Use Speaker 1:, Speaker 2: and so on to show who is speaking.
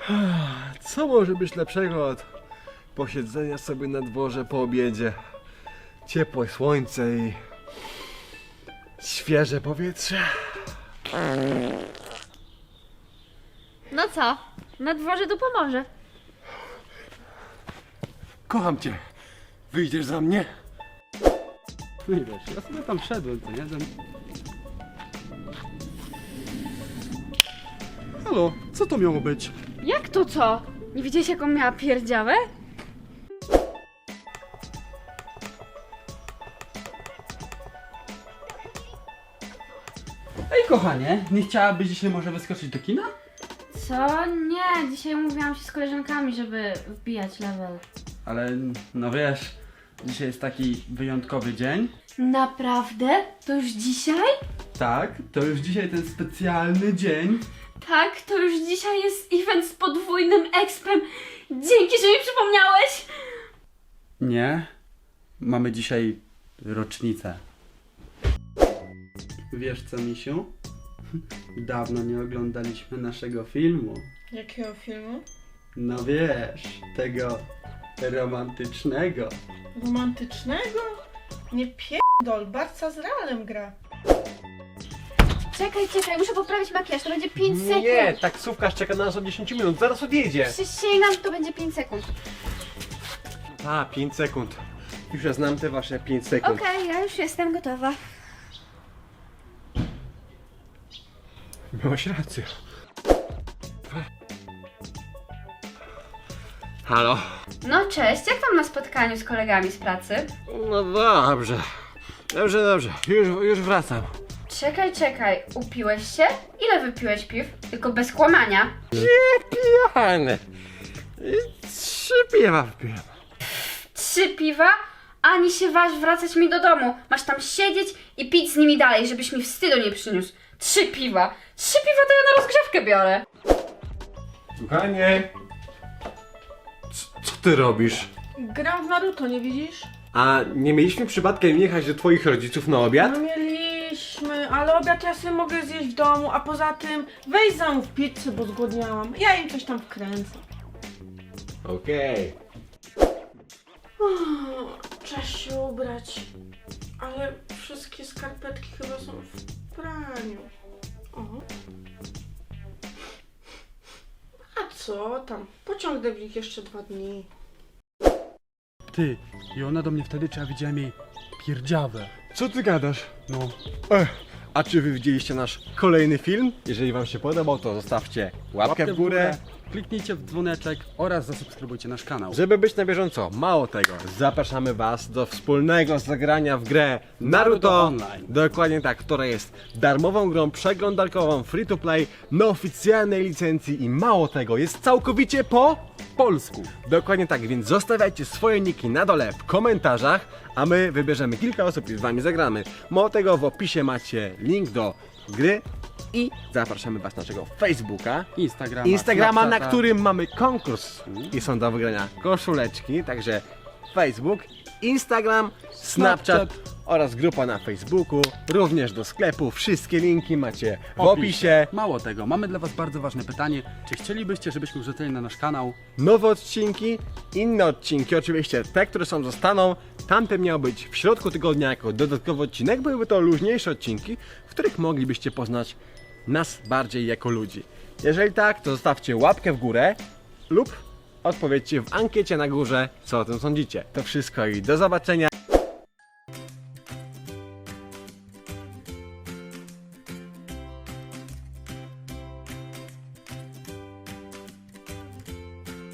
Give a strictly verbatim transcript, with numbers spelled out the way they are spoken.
Speaker 1: Co może być lepszego od posiedzenia sobie na dworze po obiedzie? Ciepłe słońce i świeże powietrze.
Speaker 2: No co? Na dworze tu pomoże.
Speaker 1: Kocham cię. Wyjdziesz za mnie?
Speaker 3: No i wiesz, ja sobie tam wszedłem, co nie? Ten... Halo, co to miało być?
Speaker 2: Jak to co? Nie widziałeś jaką miała pierdziałę?
Speaker 3: Ej kochanie, nie chciałabyś dzisiaj może wyskoczyć do kina?
Speaker 2: Co? Nie, dzisiaj umówiłam się z koleżankami, żeby wbijać level.
Speaker 3: Ale no wiesz, dzisiaj jest taki wyjątkowy dzień.
Speaker 2: Naprawdę? To już dzisiaj?
Speaker 3: Tak, to już dzisiaj ten specjalny dzień.
Speaker 2: Tak, to już dzisiaj jest event z podwójnym expem. Dzięki, że mi przypomniałeś!
Speaker 3: Nie, mamy dzisiaj rocznicę. Wiesz co, misiu? Dawno nie oglądaliśmy naszego filmu.
Speaker 4: Jakiego filmu?
Speaker 3: No wiesz, tego romantycznego.
Speaker 4: Romantycznego? Nie pierdol, Barca z Realem gra.
Speaker 2: Czekaj, czekaj, muszę poprawić makijaż, to będzie pięć sekund.
Speaker 1: Nie, taksówkarz czeka na nas od dziesięć minut, zaraz odjedzie.
Speaker 2: Przysięgam, to będzie pięć sekund.
Speaker 1: A, pięć sekund. Już ja znam te wasze pięć sekund.
Speaker 2: Okej, ja już jestem gotowa.
Speaker 1: Miałaś rację. Halo?
Speaker 2: No cześć, jak tam na spotkaniu z kolegami z pracy?
Speaker 1: No dobrze. Dobrze, dobrze. Już, już wracam.
Speaker 2: Czekaj, czekaj, upiłeś się? Ile wypiłeś piw? Tylko bez kłamania.
Speaker 1: Pijany. Trzy piwa wpiłem.
Speaker 2: Trzy piwa? Ani się waż wracać mi do domu. Masz tam siedzieć i pić z nimi dalej, żebyś mi wstydu nie przyniósł. Trzy piwa. Trzy piwa to ja na rozgrzewkę biorę.
Speaker 1: Kochanie. C- Co ty robisz?
Speaker 4: Gram w Naruto, nie widzisz?
Speaker 1: A nie mieliśmy przypadkiem jechać do twoich rodziców na obiad?
Speaker 4: No mieliśmy, ale obiad ja sobie mogę zjeść w domu, a poza tym weź zamów pizzę, bo zgłodniałam. Ja im coś tam wkręcę.
Speaker 1: Okej.
Speaker 4: Trzeba się ubrać, ale wszystkie skarpetki chyba są w praniu. O. A co tam? Pociągnę w nich jeszcze dwa dni.
Speaker 3: Ty, i ona do mnie wtedy, czy ja widziałem jej pierdziawę.
Speaker 1: Co ty gadasz?
Speaker 3: No,
Speaker 1: Ech, a czy wy widzieliście nasz kolejny film? Jeżeli wam się podobał, to zostawcie łapkę, w górę.
Speaker 3: Kliknijcie w dzwoneczek oraz zasubskrybujcie nasz kanał.
Speaker 1: Żeby być na bieżąco, mało tego, zapraszamy was do wspólnego zagrania w grę Naruto
Speaker 3: Naruto Online.
Speaker 1: Dokładnie tak, która jest darmową grą przeglądarkową free to play na oficjalnej licencji i mało tego, jest całkowicie po
Speaker 3: polsku.
Speaker 1: Dokładnie tak, więc zostawiajcie swoje niki na dole w komentarzach, a my wybierzemy kilka osób i z wami zagramy. Mało tego, w opisie macie link do gry i zapraszamy was na naszego Facebooka,
Speaker 3: Instagrama,
Speaker 1: Instagrama, na
Speaker 3: Snapchata.
Speaker 1: którym mamy konkurs i są do wygrania koszuleczki, także Facebook, Instagram, Snapchat,
Speaker 3: Snapchat.
Speaker 1: oraz grupa na Facebooku, również do sklepu, wszystkie linki macie w opisie.
Speaker 3: Mało tego, mamy dla was bardzo ważne pytanie. Czy chcielibyście, żebyśmy wrzucili na nasz kanał?
Speaker 1: Nowe odcinki, inne odcinki, oczywiście te, które są zostaną, tamte miały być w środku tygodnia jako dodatkowy odcinek, byłyby to luźniejsze odcinki, w których moglibyście poznać nas bardziej jako ludzi. Jeżeli tak, to zostawcie łapkę w górę lub odpowiedzcie w ankiecie na górze, co o tym sądzicie. To wszystko i do zobaczenia.